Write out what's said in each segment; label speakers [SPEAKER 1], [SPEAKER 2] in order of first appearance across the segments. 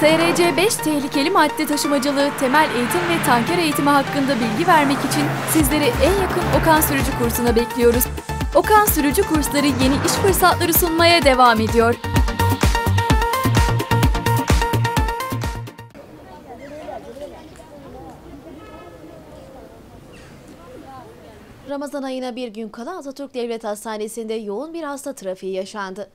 [SPEAKER 1] SRC 5 tehlikeli madde taşımacılığı, temel eğitim ve tanker eğitimi hakkında bilgi vermek için sizleri en yakın Okan Sürücü kursuna bekliyoruz. Okan Sürücü kursları yeni iş fırsatları sunmaya devam ediyor. Ramazan ayına bir gün kala Atatürk Devlet Hastanesi'nde yoğun bir hasta trafiği yaşandı.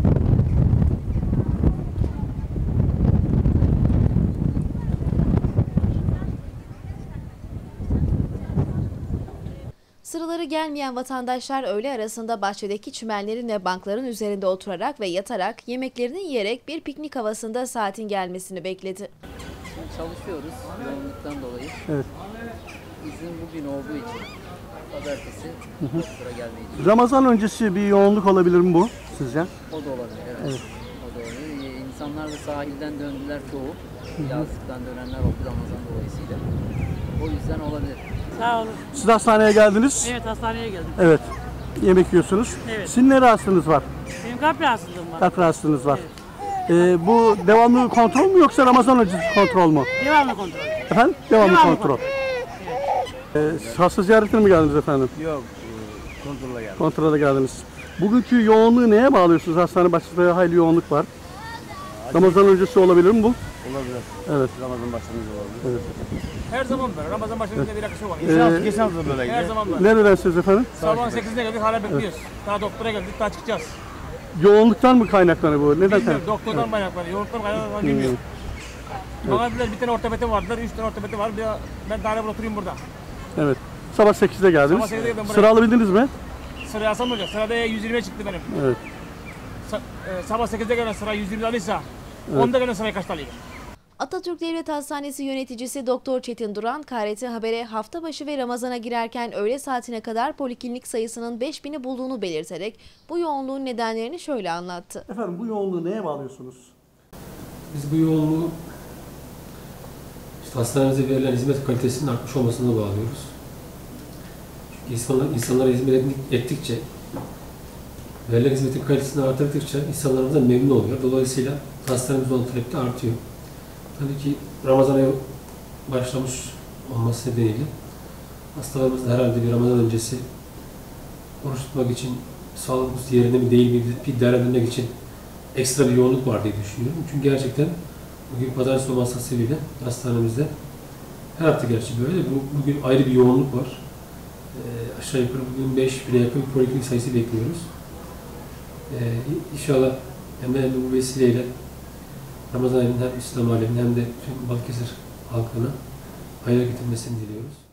[SPEAKER 1] Sıraları gelmeyen vatandaşlar öğle arasında bahçedeki çimenlerin ve bankların üzerinde oturarak ve yatarak yemeklerini yiyerek bir piknik havasında saatin gelmesini bekledi.
[SPEAKER 2] Çalışıyoruz yoğunluktan dolayı.
[SPEAKER 3] Evet.
[SPEAKER 2] İzin bugün olduğu için pazartesi doktora gelmeyi.
[SPEAKER 3] Ramazan öncesi bir yoğunluk olabilir mi bu sizce?
[SPEAKER 2] O da olabilir, evet. O da olabilir. İnsanlar da sahilden döndüler çoğu. Yazlıktan dönenler oldu Ramazan dolayısıyla. O yüzden olabilir.
[SPEAKER 4] Sağ olun.
[SPEAKER 3] Siz de hastaneye geldiniz.
[SPEAKER 4] Evet, hastaneye geldim.
[SPEAKER 3] Evet. Yemek yiyorsunuz.
[SPEAKER 4] Evet.
[SPEAKER 3] Sizin ne rahatsızlığınız var?
[SPEAKER 4] Benim kalp rahatsızlığım var.
[SPEAKER 3] Kalp rahatsızlığınız var. Bu devamlı kontrol mü yoksa Ramazan öncesi kontrol mü?
[SPEAKER 4] Devamlı kontrol.
[SPEAKER 3] Efendim? Devamlı kontrol.
[SPEAKER 4] Evet.
[SPEAKER 3] Hasta ziyaretine mi geldiniz efendim?
[SPEAKER 5] Yok, kontrola geldim.
[SPEAKER 3] Kontrole geldiniz. Bugünkü yoğunluğu neye bağlıyorsunuz? Hastane başında hayli yoğunluk var. Ramazan öncesi olabilir mi bu?
[SPEAKER 5] Olabilir.
[SPEAKER 3] Evet.
[SPEAKER 5] Ramazan başlarında olabilir.
[SPEAKER 3] Evet.
[SPEAKER 6] Her zaman böyle. Ramazan başlarında bir akışı var.
[SPEAKER 5] Geçen hafta da böyleydi.
[SPEAKER 6] Her zaman böyle.
[SPEAKER 3] Neredensiniz efendim?
[SPEAKER 6] Sabahın 8'ine geldik hala bekliyoruz. Daha doktora geldik daha çıkacağız.
[SPEAKER 3] Yoğunluktan mı kaynaklanıyor bu? Neden
[SPEAKER 6] Bilmiyorum
[SPEAKER 3] kaynaklanıyor?
[SPEAKER 6] doktordan kaynaklanıyor. Yoğunluktan kaynaklanıyor bilmiyorum. Bana dediler bir tane ortopedim vardılar, 3 tane ortopedim var. Ben daha ne oturayım burada.
[SPEAKER 3] Evet. Sabah 8'de geldiniz.
[SPEAKER 6] Sabah 8'de geldim buraya.
[SPEAKER 3] Sıra alabildiniz mi?
[SPEAKER 6] Sıraya alsam olacak. Sırada 120'ye çıktı benim.
[SPEAKER 3] Evet.
[SPEAKER 6] Sabah 8'de gelen sıra 120 alıysa 10'da gelen sırayı kaçta alayım?
[SPEAKER 1] Atatürk Devlet Hastanesi yöneticisi Doktor Çetin Duran, KRT Haber'e hafta başı ve Ramazan'a girerken öğle saatine kadar poliklinik sayısının 5000'i bulduğunu belirterek bu yoğunluğun nedenlerini şöyle anlattı.
[SPEAKER 3] Efendim bu yoğunluğu neye bağlıyorsunuz?
[SPEAKER 7] Biz bu yoğunluğu hastanemize verilen hizmet kalitesinin artmış olmasına bağlıyoruz. Çünkü insanlara hizmet ettikçe, verilen hizmetin kalitesini artırdıkça insanlarımız da memnun oluyor. Dolayısıyla hastanemizde olan talep de artıyor. Tabii ki Ramazan ayı başlamış olması nedeniyle hastalarımız da herhalde bir Ramazan öncesi oruç tutmak için sağlığımız yerinde mi değil mi bir değerlendirmek için ekstra bir yoğunluk var diye düşünüyorum. Çünkü gerçekten bugün pazartesi olması hasebiyle hastanemizde her hafta gerçi böyle. Bugün ayrı bir yoğunluk var. Aşağı yukarı bugün 5000'e yakın bir poliklinik sayısı bekliyoruz. İnşallah hemen bu vesileyle Ramazan ayının hem İslam aleminin hem de tüm Balıkesir halkına hayırlı getirmesini diliyoruz.